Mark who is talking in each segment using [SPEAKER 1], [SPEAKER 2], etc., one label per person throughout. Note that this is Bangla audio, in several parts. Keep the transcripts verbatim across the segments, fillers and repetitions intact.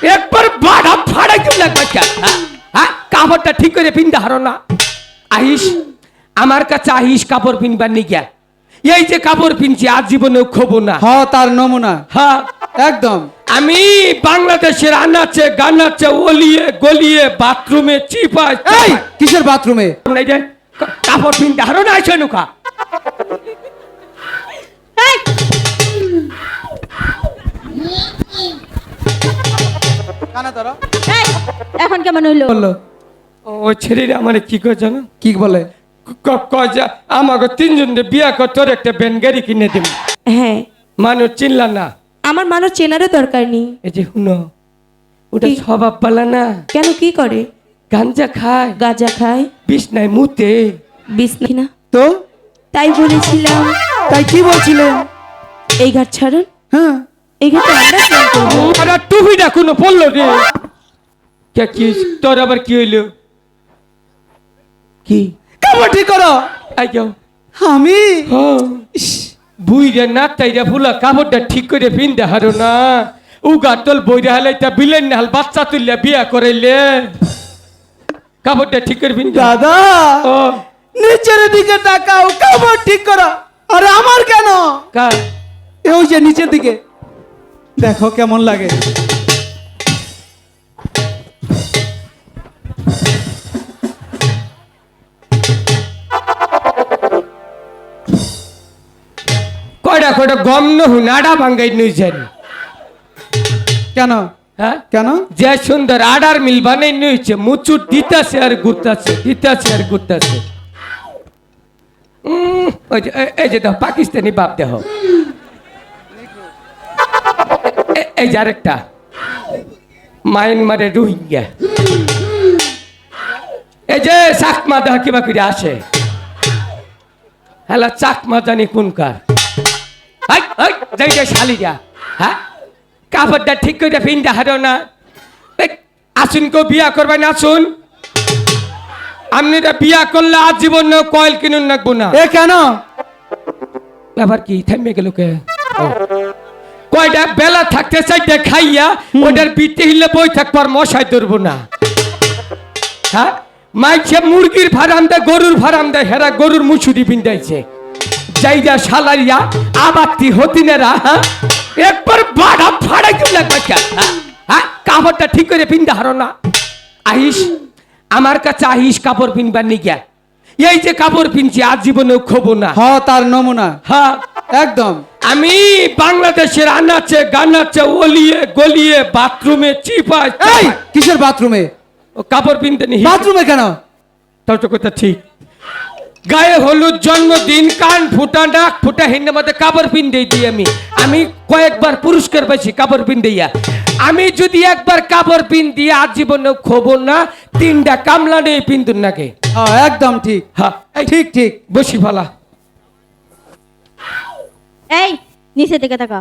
[SPEAKER 1] একবার বাড়া ফাড়াই দিও লাগবে হ্যাঁ কাপড়টা ঠিক করে পিনতে হারো না আহিস আমার কাছে আহিস কাপড় পিনবার নিগিয়া এই যে কাপড় পিনছি আজ জীবনেও খোবো না
[SPEAKER 2] হ তার নমুনা
[SPEAKER 1] হ্যাঁ
[SPEAKER 2] একদম
[SPEAKER 1] আমি বাংলাদেশের আনাচে গানাচে ওলিয়ে গলিয়ে বাথরুমে চিপায়
[SPEAKER 2] এই কিসের বাথরুমে
[SPEAKER 1] এই যে কাপড় পিনতে হারো না আইসো নুকা
[SPEAKER 2] কানা ধরো
[SPEAKER 3] এই, এখন কেমন হইলো
[SPEAKER 2] বললো
[SPEAKER 1] ওই ছেলেরা আমার কি করে জানো
[SPEAKER 2] কি বলে
[SPEAKER 1] ক- কয় যে আমাকে তিনজন বিয়া কর তোর একটা ব্যান গাড়ি কিনে দিব
[SPEAKER 3] হ্যাঁ
[SPEAKER 1] মানুষ চিনলা না
[SPEAKER 3] আমার মানুষ চেনারও দরকার নেই
[SPEAKER 1] এই যে শুনো ওটা
[SPEAKER 3] কি?
[SPEAKER 1] স্বভাব পালা না
[SPEAKER 3] কেন কি করে
[SPEAKER 1] গাঞ্জা খায়
[SPEAKER 3] গাঁজা খায়
[SPEAKER 1] বিছনায় মুতে
[SPEAKER 3] বিষ না
[SPEAKER 2] তো
[SPEAKER 3] তাই বলেছিলাম
[SPEAKER 2] তাই কি বলছিলেন
[SPEAKER 3] এই ঘাট ছাড়ুন
[SPEAKER 2] হ্যাঁ
[SPEAKER 3] এই ঘাটে আমরা প্রেম করবো।
[SPEAKER 1] আরে টুপিটা কোনো পড়লো রে কে কি তোর আবার কি হইলো কি
[SPEAKER 2] কাপড় ঠিক করো
[SPEAKER 1] আই যাও
[SPEAKER 2] আমি
[SPEAKER 1] হ্যাঁ বুইরে না তাইরা ফুলা কাপড়টা ঠিক করে পিনতে হারো না উগা তোল বইরে হালাইতা বিলেন না হাল বাচ্চা তুললে বিয়া করাইলে কাপড়টা ঠিক করে পিনতে
[SPEAKER 2] দাদা
[SPEAKER 1] ও
[SPEAKER 2] নিচের দিকে তাকাও কাপড় ঠিক করো আরে আমার কেন
[SPEAKER 1] কা
[SPEAKER 2] এই যে নিচের দিকে দেখো কেমন লাগে
[SPEAKER 1] কয়টা কয়টা গম নহু নাড়া ভাঙ্গাই নইছেন
[SPEAKER 2] কেন
[SPEAKER 1] হ্যাঁ
[SPEAKER 2] কেন
[SPEAKER 1] যে সুন্দর আডার মিল বানাই নইছে মুচুর দিতাছে আর ঘুরতাছে দিতাছে আর ঘুরতাছে উম, ওই যে এ- এই যে দাও পাকিস্তানি বাপ দেহ এ- এই যে আরেকটা মায়ানমারে রোহিঙ্গা এই যে চাকমা দেহ কিবা করে আসে হ্যালা চাকমা জানি কোনকার হাই হাই যাই যাই শালিরা হ্যাঁ কাপড়টা ঠিক করে পিনতে হারো না এই, আসুন কেউ বিয়া করবেন আসুন আপনারা বিয়া করলে আজীবন কয়েল কিনুন রাখবো না
[SPEAKER 2] এ কেন
[SPEAKER 1] আবার কি থামবে গেল কে ও। কয়টা বেলা থাকতে চাইতে খাইয়া ওটার পিঠে হিলে বই থাকবার মশাই ধরবো না হ্যাঁ মাইছে মুরগির ফার্ম দেয় গরুর ফার্ম দেয় হেরা গরুর মুছুরি পিন্দাইছে যাইয়া সালারিয়া আবাত্তি হতিনেরা হ্যাঁ একবার বাড়া ফাড়াই দিও লাগবে হ্যাঁ কাপড়টা ঠিক করে পিনতে হারো না আহিস আমার কাছে আহিস কাপড় পিনবার নিগিয়া এই যে কাপড় পিনছি আজ জীবনেও খোবো না
[SPEAKER 2] হ তার নমুনা
[SPEAKER 1] হ্যাঁ
[SPEAKER 2] একদম
[SPEAKER 1] আমি বাংলাদেশের আনাচে গানাচে ওলিয়ে গলিয়ে বাথরুমে চিপায়
[SPEAKER 2] এই কিসের বাথরুমে
[SPEAKER 1] ও কাপড় পিনতে নি
[SPEAKER 2] বাথরুমে কেন
[SPEAKER 1] তাও তো কথা ঠিক গায়ে হলুদ জন্মদিন কান ফুটা নাক ফুটা হিন্দি মধ্যে কাপড় পিন দিয়ে দিই আমি আমি কয়েকবার পুরস্কার পাইছি কাপড় পিন দিয়া আমি যদি একবার কাপড় পিন দিয়ে আজীবনে খবর না তিনটা কামলা নেই পিন্দুন নাকে
[SPEAKER 2] হ্যাঁ একদম ঠিক
[SPEAKER 1] হ্যাঁ এই
[SPEAKER 2] ঠিক ঠিক
[SPEAKER 1] বসি ফালা
[SPEAKER 3] এই নিচে দিকে তাকা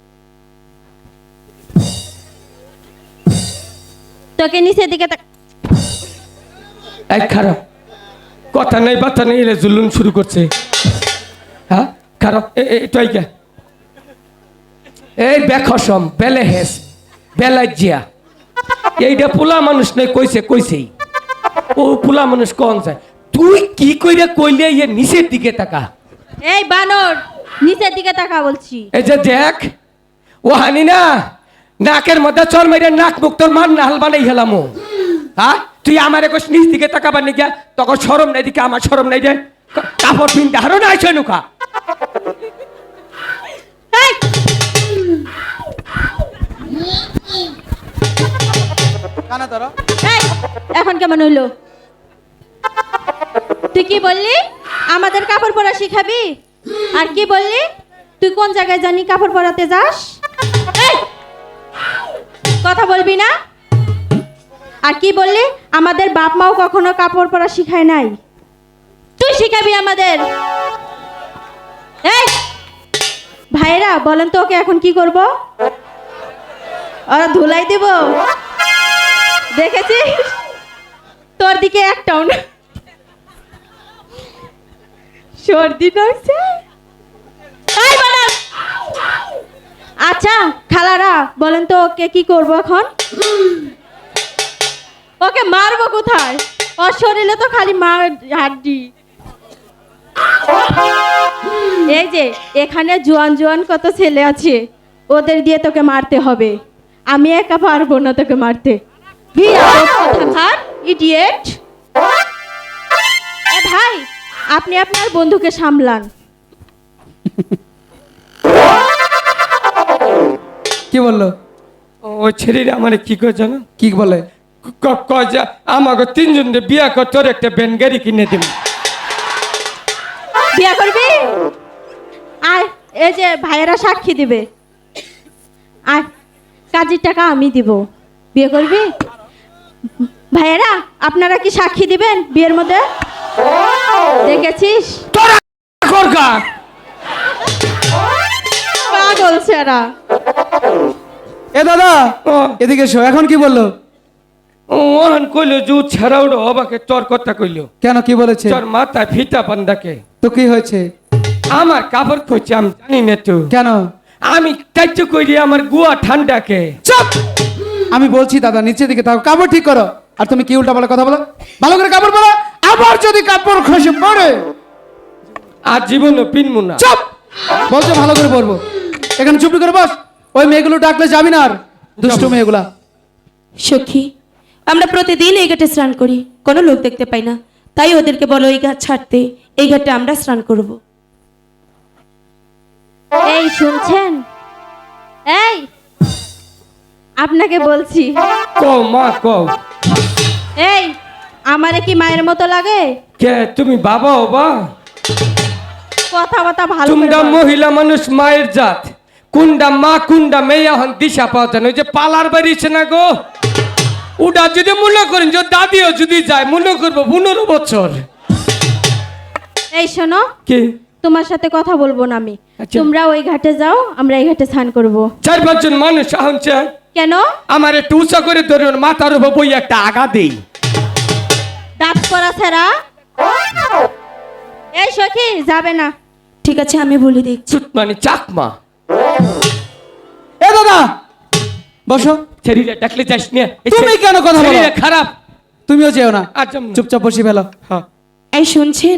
[SPEAKER 3] তোকে নিচের দিকে তাকা
[SPEAKER 1] এই খারাপ কথা নেই বার্তা নেই এলে জুলুন শুরু করছে হ্যাঁ খারাপ এটাই কে এই বেখসম বেলে হেস বেলাজিয়া এইটা পোলা মানুষ নয় কইছে কইছেই ও পোলা মানুষ কন যায় তুই কি কইরে কইলে ইয়ে নিচের দিকে তাকা
[SPEAKER 3] এই বানর নিচের দিকে তাকা বলছি
[SPEAKER 1] এই যে দেখ ও হানি না নাকের মধ্যে চর মেরে নাক মুখ তোর মান নাহাল বানাই হেলাম হ্যাঁ তুই আমার একশ নিচ দিকে তাকাবার নিকা তখন সরম নাই দিকে আমার সরম নাই যে কা- কাপড় পিনতে হারো না আইসো নুকা
[SPEAKER 3] এই,
[SPEAKER 2] কানা ধরো
[SPEAKER 3] এই, এখন কেমন হইলো তুই কি বললি আমাদের কাপড় পরা শিখাবি আর কি বললি তুই কোন জায়গায় জানি কাপড় পরাতে যাস এই, কথা বলবি না আর কি বললি আমাদের বাপ মাও কখনো কাপড় পরা শিখায় নাই তুই শিখাবি আমাদের এই ভাইরা বলেন তো ওকে এখন কি করব ওরা ধুলাই দেব দেখেছিস তোর দিকে একটাও না সর্দি নইছে এই বাবা আচ্ছা খালারা বলেন তো ওকে কি করবো এখন? ওকে মারবো কোথায়? ওর শরীরে তো খালি মার হাড্ডি। এই যে এখানে জোয়ান জোয়ান কত ছেলে আছে, ওদের দিয়ে তোকে মারতে হবে। আমি একা পারবো না তোকে মারতে। ইডিয়েট! এ ভাই, আপনি আপনার বন্ধুকে সামলান।
[SPEAKER 2] কি বললো?
[SPEAKER 1] ওই ছেলেরা আমার কি করে জানো?
[SPEAKER 2] কি বলে?
[SPEAKER 1] ক- কয় যে আমাকে তিনজন বিয়া কর, তোর একটা ব্যান গাড়ি কিনে দিব।
[SPEAKER 3] বিয়ে করবি? আর এই যে ভাইয়েরা সাক্ষী দিবে, আর কাজের টাকা আমি দিব। বিয়ে করবি? ভাইয়েরা আপনারা কি সাক্ষী দিবেন বিয়ের মধ্যে? দেখেছিস
[SPEAKER 1] তোরা করগা
[SPEAKER 3] পাগল ছেড়া।
[SPEAKER 2] এ দাদা
[SPEAKER 1] ও
[SPEAKER 2] এদিকে এসো, এখন কি বললো?
[SPEAKER 1] ওহান কইলো জু ছাড়াউড়ো অবাকে তোর কথা কইলো।
[SPEAKER 2] কেন, কি বলেছে?
[SPEAKER 1] তোর মাথায় ফিতা বান্দাকে
[SPEAKER 2] তো কি হয়েছে?
[SPEAKER 1] আমার কাপড় খুঁজছে, আমি জানি না তো।
[SPEAKER 2] কেন?
[SPEAKER 1] আমি কার্য করি আমার গুয়া ঠান্ডাকে।
[SPEAKER 2] চুপ! আমি বলছি দাদা নিচে দিকে তাও কাপড় ঠিক করো। আর তুমি কি উল্টা বলে কথা বলো? ভালো করে কাপড় পরো। আবার যদি কাপড় খসে পড়ে,
[SPEAKER 1] আর জীবনও পিনমু না।
[SPEAKER 2] চুপ! বলছো ভালো করে পরবো। এখানে চুপি করে বস। ওই মেয়েগুলো ডাকলে যাবি না আর, দুষ্টু মেয়েগুলা।
[SPEAKER 4] সখী, আমরা প্রতিদিন এই ঘাটে স্নান করি, কোনো লোক দেখতে পাই না, তাই ওদেরকে বলো এই ঘাট ছাড়তে, এই ঘাটে আমরা স্নান করব।
[SPEAKER 3] এই শুনছেন? এই আপনাকে বলছি,
[SPEAKER 1] কও মা কও।
[SPEAKER 3] এই আমারে কি মায়ের মতো লাগে?
[SPEAKER 1] কে তুমি বাবা হবা?
[SPEAKER 3] কথা কথা ভালো করে
[SPEAKER 1] তোমরা
[SPEAKER 3] বল।
[SPEAKER 1] মহিলা মানুষ মায়ের জাত। কুন্ডা মা কুন্ডা মেয়ে এখন দিশা পাওয়া যায় না। ওই যে পালার বাড়িছে না গো, ওটা যদি মনে করেন যে দাদিও যদি যায়, মনে করবো পনেরো বছর।
[SPEAKER 3] এই শোনো,
[SPEAKER 1] কি
[SPEAKER 3] তোমার সাথে কথা বলবো না আমি।
[SPEAKER 1] আচ্ছা।
[SPEAKER 3] তোমরা ওই ঘাটে যাও, আমরা এই ঘাটে স্নান করব।
[SPEAKER 1] চার পাঁচজন মানুষ এখন চায়
[SPEAKER 3] কেন?
[SPEAKER 1] আমার একটু উঁচা করে ধরুন, মাথার উপর বই একটা আগা দেই।
[SPEAKER 3] দাঁত করা ছেড়া। এই সখী যাবে না।
[SPEAKER 4] ঠিক আছে, আমি বলে দেখছি।
[SPEAKER 1] চুত মানে চাকমা।
[SPEAKER 2] এ দাদা বসো।
[SPEAKER 1] শরীরে ডাকলে যাস না। এই
[SPEAKER 2] তুমি
[SPEAKER 1] শরীর-
[SPEAKER 2] কেন কথা বলো?
[SPEAKER 1] শরীরে খারাপ।
[SPEAKER 2] তুমিও যেও না,
[SPEAKER 1] আচ্ছা
[SPEAKER 2] চুপচাপ বসি ফেলো।
[SPEAKER 1] হ্যাঁ
[SPEAKER 4] এই শুনছেন?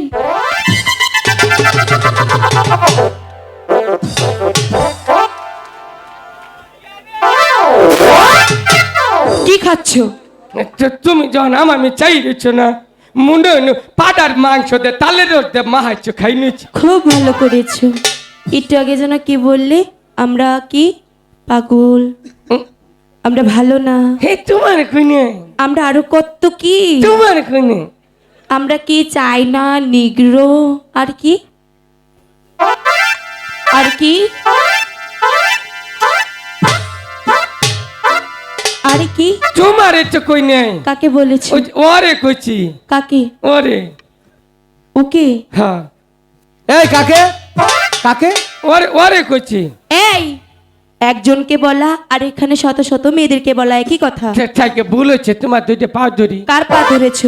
[SPEAKER 4] কি খাচ্ছ?
[SPEAKER 1] তো তুমি যখন আমার আমি চাই দিচ্ছ না, মুন্ড পাটার মাংস দে, তালের রস দে, মাহাচ্ছ খাই নিচ্ছি।
[SPEAKER 4] খুব ভালো করেছো। একটু আগে যেন কি বললে? আমরা কি পাগল, আমরা ভালো না,
[SPEAKER 1] হে তোমার খুনে,
[SPEAKER 4] আমরা আরো কত কি,
[SPEAKER 1] তোমার খুনে।
[SPEAKER 4] আমরা কি চাই না, নিগ্রো, আর কি আর কি আর কি
[SPEAKER 1] তোমার তো কই নেই।
[SPEAKER 4] কাকে বলেছি?
[SPEAKER 1] ওই যে ওরে কইছি,
[SPEAKER 4] কাকে?
[SPEAKER 1] ওরে।
[SPEAKER 4] ওকে?
[SPEAKER 1] হ্যাঁ
[SPEAKER 2] এই কাকে কাকে?
[SPEAKER 1] ওরে ওরে কইছি।
[SPEAKER 4] এই একজনকে বলা আর এখানে শত শত মেয়েদেরকে বলা একই কথা।
[SPEAKER 1] থাকে ভুল হচ্ছে, তোমার দুইটা পা ধরি।
[SPEAKER 4] কার পা ধরেছো?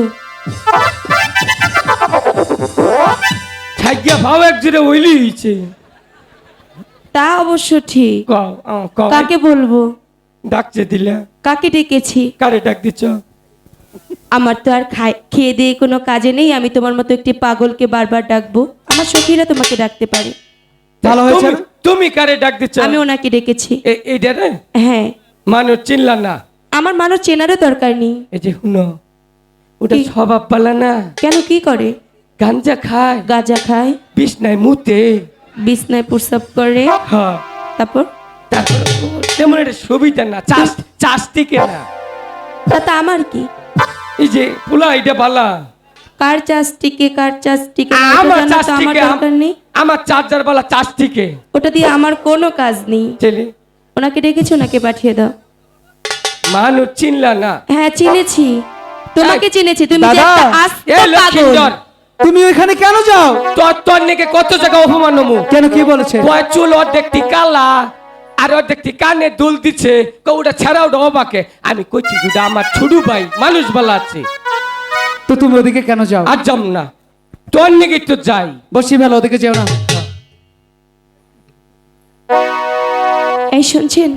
[SPEAKER 1] থাকিয়া ভাও একজোড়ে ওইলি হয়েছে।
[SPEAKER 4] তা অবশ্য ঠিক।
[SPEAKER 1] কও আহ, কও।
[SPEAKER 4] কাকে বলবো?
[SPEAKER 1] ডাকছে দিলা,
[SPEAKER 4] কাকে ডেকেছি?
[SPEAKER 1] কারে ডাক দিচ্ছ?
[SPEAKER 4] আমার তো আর খাই- খেয়ে দিয়ে কোনো কাজে নেই, আমি তোমার মতো একটি পাগলকে বারবার ডাকবো? আমার সখীরা তোমাকে ডাকতে পারে।
[SPEAKER 2] ভালো হয়েছে
[SPEAKER 1] তুমি- তুমি কারে ডাক দিচ্ছ?
[SPEAKER 4] আমি ওনাকে ডেকেছি।
[SPEAKER 1] এ- এইটা রে
[SPEAKER 4] হ্যাঁ,
[SPEAKER 1] মানুষ চিনলা না।
[SPEAKER 4] আমার মানুষ চেনারও দরকার নেই।
[SPEAKER 1] এই যে শুনো, ওটা
[SPEAKER 4] কি?
[SPEAKER 1] স্বভাব পালা না।
[SPEAKER 4] কেন, কি করে?
[SPEAKER 1] গাঞ্জা খায়,
[SPEAKER 4] গাঁজা খায়,
[SPEAKER 1] বিছনায় মুতে।
[SPEAKER 4] বিছনায় প্রস্রাব করে,
[SPEAKER 1] হ্যাঁ
[SPEAKER 4] তারপর
[SPEAKER 1] তারপর ও তেমন একটা সুবিধা না, চাষ চাষ থেকে না।
[SPEAKER 4] তাতে আমার কি?
[SPEAKER 1] এই যে পোলা এটা বালা,
[SPEAKER 4] কার চাষ টিকে কার চাষ টিকে না, ওটা
[SPEAKER 1] আমার
[SPEAKER 4] জানার
[SPEAKER 1] চাষ
[SPEAKER 4] তো আমার
[SPEAKER 1] থেকে,
[SPEAKER 4] দরকার নেই।
[SPEAKER 1] আমার চার্জার বালা চাষ থেকে।
[SPEAKER 4] ওটা দিয়ে আমার কোনো কাজ নেই।
[SPEAKER 1] ছেলে
[SPEAKER 4] ওনাকে ডেকেছি, ওনাকে পাঠিয়ে দাও।
[SPEAKER 1] মানুষ চিনলা না।
[SPEAKER 4] হ্যাঁ চিনেছি, তোমাকে চিনেছি। তুমি যে
[SPEAKER 2] দাদা,
[SPEAKER 4] একটা আস্ত
[SPEAKER 1] এ
[SPEAKER 4] পাগল।
[SPEAKER 1] লক্ষ্মীন্দর,
[SPEAKER 2] তুমি ওইখানে কেন যাও?
[SPEAKER 1] তোর তোর নাকি কত জায়গা অপমান নমু।
[SPEAKER 2] কেন, কি বলেছে?
[SPEAKER 1] কয় চুল অর্ধেকটি কালা আর অর্ধেকটি কানে দুল দিচ্ছে, ওটা ছাড়াও ডবাকে। আমি কইছি দুটা আমার ছুডু ভাই মানুষ বলা আছে,
[SPEAKER 2] তো তুমি ওদিকে কেন যাও?
[SPEAKER 1] আর যাম না। তোর নাকি তো যাই।
[SPEAKER 2] বসি ফেলো, ওদিকে যেও না।
[SPEAKER 4] এই শুনছেন?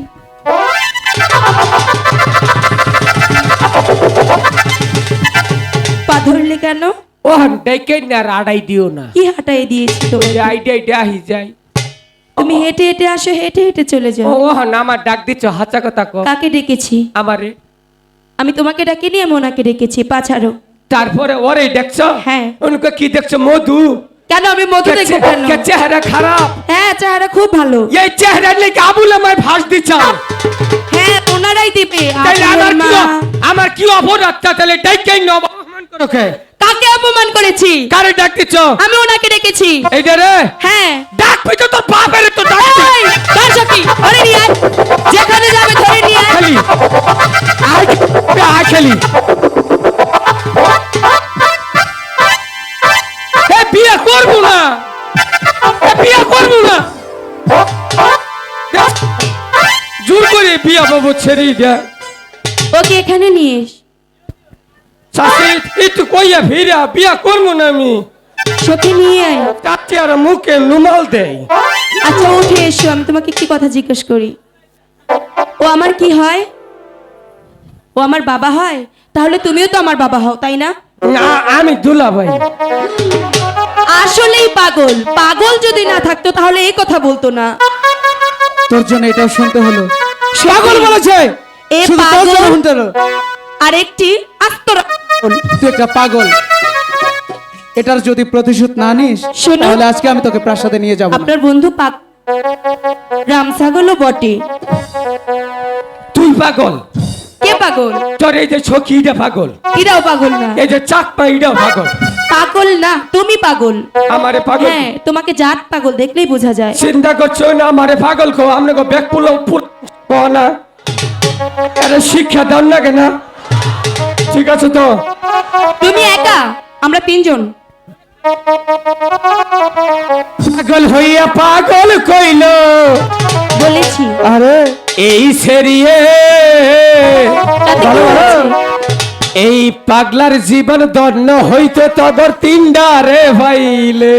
[SPEAKER 4] পা ধরলে কেন?
[SPEAKER 1] ও ডেকে না আড়াই দিও না,
[SPEAKER 4] কি হাঁটাই দিয়েছি তোমাকে?
[SPEAKER 1] আইডিয়া ডাহি যায়।
[SPEAKER 4] তুমি হেঁটে হেঁটে আসো, হেঁটে হেঁটে চলে যাও।
[SPEAKER 1] ও না আমার ডাক দিচ্ছ, হাঁচা কথা কো।
[SPEAKER 4] কাকে ডেকেছি?
[SPEAKER 1] আমারে।
[SPEAKER 4] আমি তোমাকে ডাকিনি, আমি ওনাকে ডেকেছি। পা ছাড়ো।
[SPEAKER 1] তারপরে ওরে দেখছো?
[SPEAKER 4] হ্যাঁ।
[SPEAKER 1] উনকে কি দেখছো? মধু।
[SPEAKER 4] কেন আমি মধু দেখবো কেন?
[SPEAKER 1] কে চেহারা খারাপ?
[SPEAKER 4] হ্যাঁ, চেহারা খুব ভালো।
[SPEAKER 1] এই চেহারা লেগে আবুল আমায় ফাঁস দিচ্ছ।
[SPEAKER 4] হ্যাঁ, ওনারাই দিবে।
[SPEAKER 1] তাহলে আমার
[SPEAKER 4] আবুলের
[SPEAKER 1] কি
[SPEAKER 4] মা।
[SPEAKER 1] আমার কি অপরাধ? তাহলে ডাইকেই ন অপমান করো কে?
[SPEAKER 4] কাকে অপমান করেছি?
[SPEAKER 1] কারে ডাক দিচ্ছ?
[SPEAKER 4] আমি ওনাকে ডেকেছি।
[SPEAKER 1] এইটা রে?
[SPEAKER 4] হ্যাঁ।
[SPEAKER 1] ডাক পেতো তোর বাপের তো ডাক।
[SPEAKER 4] এই, কার সখী? ধরে নিয়ে আয়। যেখানে যাবে ধরে নিয়ে আয়।
[SPEAKER 1] খালি আয় আয় খালি। এ বিয়ে করবো না, এ বিয়ে করবো না। জোর করে বিয়া বাবু ছেড়ে দেয়।
[SPEAKER 4] ওকে এখানে নিয়ে এস।
[SPEAKER 1] শাশুড়ি একটু কইয়া ফিরা বিয়া করবো না আমি।
[SPEAKER 4] সখী নিয়ে আয়।
[SPEAKER 1] চাচি আর মুখে রুমাল দেয়।
[SPEAKER 4] আচ্ছা উঠে এসো, আমি তোমাকে একটি কথা জিজ্ঞেস করি। ও আমার কি হয়? ও আমার বাবা হয়? তাহলে তুমিও তো আমার বাবা হও, তাই না?
[SPEAKER 1] না আমি দুলা ভাই।
[SPEAKER 4] আসলেই পাগল। পাগল যদি না থাকতো তাহলে এই কথা বলতো না।
[SPEAKER 2] তোর জন্য এটাও শুনতে হলো। পাগল বলেছে,
[SPEAKER 4] এ
[SPEAKER 2] শুধু তোর
[SPEAKER 4] পাগল।
[SPEAKER 2] জন্য শুনতে হলো।
[SPEAKER 4] আর একটি আস্তরা।
[SPEAKER 2] তুই একটা পাগল। এটার যদি প্রতিশোধ না নিস
[SPEAKER 4] শোনো।
[SPEAKER 2] তাহলে আজকে আমি তোকে প্রাসাদে নিয়ে যাব না।
[SPEAKER 4] আপনার বন্ধু পাগ রাম ছাগলও বটে।
[SPEAKER 1] তুই পাগল?
[SPEAKER 4] কে পাগল?
[SPEAKER 1] তোর এই যে ছকিটা পাগল,
[SPEAKER 4] এরাও পাগল না।
[SPEAKER 1] এই যে চাকমা এটাও পাগল।
[SPEAKER 4] পাগল না, তুমি পাগল।
[SPEAKER 1] আমারে পাগল?
[SPEAKER 4] হ্যাঁ, তোমাকে জাত পাগল দেখলেই বোঝা যায়।
[SPEAKER 1] চিন্তা করছো না আমারে পাগল কো? আমনে কো ব্যাগ পুলো কো না, আরে শিক্ষা দাও না কেন? ঠিক আছে তো?
[SPEAKER 4] তুমি একা, আমরা তিনজন।
[SPEAKER 1] পাগল হইয়া পাগল কইলো
[SPEAKER 4] বলেছি।
[SPEAKER 2] আরে
[SPEAKER 1] এই সেরিয়ে
[SPEAKER 4] তাতে কি হয়েছে?
[SPEAKER 1] এই পাগলার জীবন দন্ন হইতে তদর তিনডা রে ভাইলে।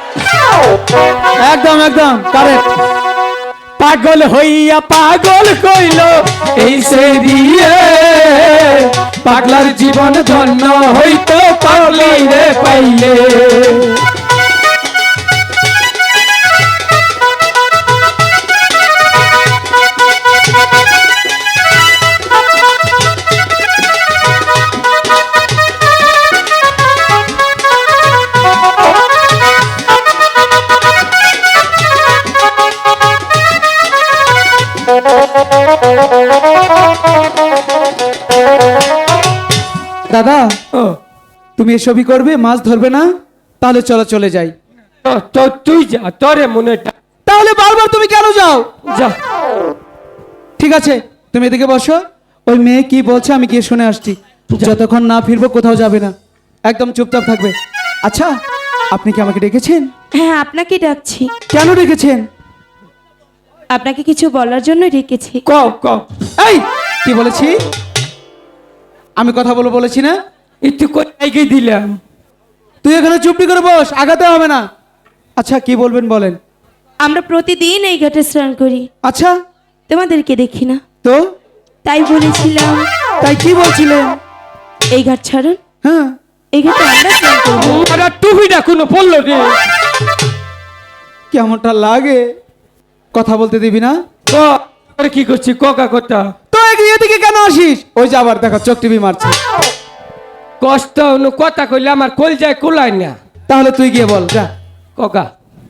[SPEAKER 2] একদম একদম কারেক্ট।
[SPEAKER 1] পাগল হইয়া পাগল কইলো এই সেরিয়ে পাগলার জীবন ধন্য হইতে পাগলি রে পাইলে।
[SPEAKER 2] দাদা
[SPEAKER 1] ও
[SPEAKER 2] তুমি এসবই করবে, মাছ ধরবে না? তাহলে চলো চলে যাই।
[SPEAKER 1] তো তো তুই যা, তোরে মনে টা-
[SPEAKER 2] তাহলে বারবার তুমি কেন যাও?
[SPEAKER 1] যা।
[SPEAKER 2] ঠিক আছে তুমি এদিকে বসো, ওই মেয়ে কি বলছে আমি গিয়ে শুনে আসছি। যতক্ষণ না ফিরবো কোথাও যাবে না, একদম চুপচাপ থাকবে। আচ্ছা আপনি কি আমাকে ডেকেছেন?
[SPEAKER 4] হ্যাঁ, আপনাকে ডাকছি।
[SPEAKER 2] কেন ডেকেছেন?
[SPEAKER 4] আপনাকে কিছু বলার জন্য ডেকেছি।
[SPEAKER 1] কও কও।
[SPEAKER 2] এই কি বলেছি? আমি কথা বলে বলেছি না?
[SPEAKER 1] একটু কোথায় দিলাম?
[SPEAKER 2] তুই এখানে চুপটি করে বস, আগাতে হবে না। আচ্ছা কি বলবেন বলেন।
[SPEAKER 4] আমরা প্রতিদিন এই ঘাটে স্নান করি,
[SPEAKER 2] আচ্ছা
[SPEAKER 4] তোমাদেরকে দেখি না,
[SPEAKER 2] তো
[SPEAKER 4] তাই বলেছিলাম
[SPEAKER 2] তাই কি বলছিলেন?
[SPEAKER 4] এই ঘাট ছাড়ুন,
[SPEAKER 2] হ্যাঁ
[SPEAKER 4] এই ঘাটে আমরা স্নান করবো।
[SPEAKER 1] আরে টুপিটা কোনো পড়লো রে?
[SPEAKER 2] কেমনটা লাগে? কথা বলতে দিবি না?
[SPEAKER 1] ক আরে কি করছি কোকা কথা?
[SPEAKER 2] তো এগিয়ে দিকে কেন আসিস? ওই যে আবার দেখো চোখ টিভি মারছে।
[SPEAKER 1] কষ্ট হলো কথা কইলে আমার কল যায় কোলায় না।
[SPEAKER 2] তাহলে তুই গিয়ে বল যা।
[SPEAKER 1] কোকা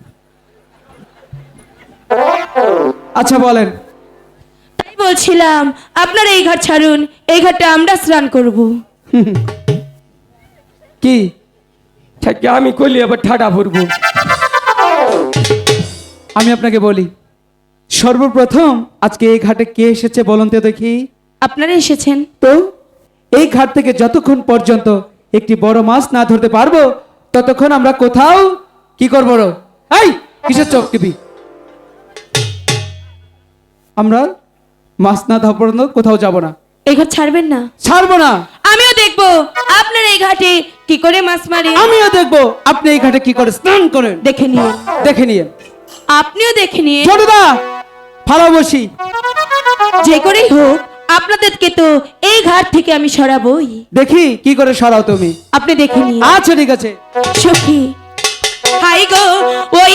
[SPEAKER 2] আচ্ছা বলেন।
[SPEAKER 4] তাই বলছিলাম আপনারা এই ঘাট ছাড়ুন, এই ঘাটে আমরা স্নান করব।
[SPEAKER 2] কি
[SPEAKER 1] থাকে আমি কইলে আবার ঠাডা ভরবো।
[SPEAKER 2] আমি আপনাকে বলি, সর্বপ্রথম আজকে এই ঘাটে কে এসেছে বলুন তো দেখি।
[SPEAKER 4] আপনারা এসেছেন।
[SPEAKER 2] তো এই ঘাট থেকে যতক্ষণ পর্যন্ত একটি বড় মাছ না ধরতে পারবো ততক্ষণ আমরা কোথাও কি করবো? রো এই কিসের চোখ টিভি? আমরা মাছ না ধরা পর্যন্ত কোথাও যাব না।
[SPEAKER 4] এই ঘাট ছাড়বেন না?
[SPEAKER 2] ছাড়বো না।
[SPEAKER 4] আমিও দেখবো আপনারা এই ঘাটে কি করে মাছ মারে।
[SPEAKER 2] আমিও দেখবো আপনি এই ঘাটে কি করে স্নান করেন।
[SPEAKER 4] দেখে নিয়ে
[SPEAKER 2] দেখে নিয়ে
[SPEAKER 4] আপনিও দেখে নিয়ে
[SPEAKER 2] ছোটদা ফালাও বসি।
[SPEAKER 4] যে করেই হোক আপনাদেরকে তো এই ঘাট থেকে আমি সরাবই।
[SPEAKER 2] দেখি কি করে সরাও তুমি।
[SPEAKER 4] আপনি দেখে নিন।
[SPEAKER 2] আচ্ছা ঠিক আছে।
[SPEAKER 4] সখী